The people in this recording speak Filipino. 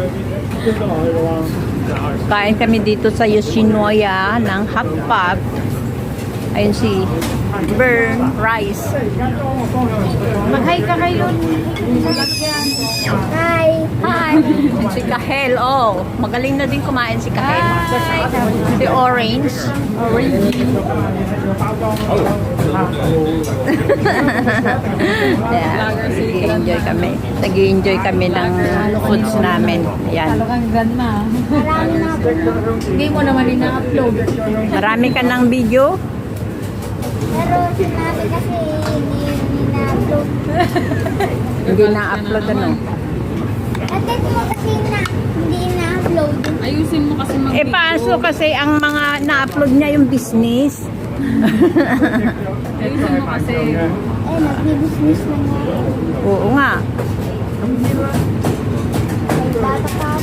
Kain kami dito sa Yoshinoya ng hotpot. Ayun si Burn Rice. Mag-hi ka kayo. Hi. Hi. Si Kahel. Oh, magaling na din kumain si Kahel. Si Orange. Yeah. Nag-enjoy kami. Nag-enjoy kami ng foods namin. Yan. Marami na po. Hindi mo naman ina-upload. Marami ka ng video. Pero sinabi kasi hindi na-upload. Hindi na-upload ano. At ito mo kasi hindi na-upload. Ayusin mo kasi mag-video. Eh, paso kasi ang mga na-upload niya yung business. Ayusin mo kasi. Eh, nag-business na nga. Oo nga. May bata pa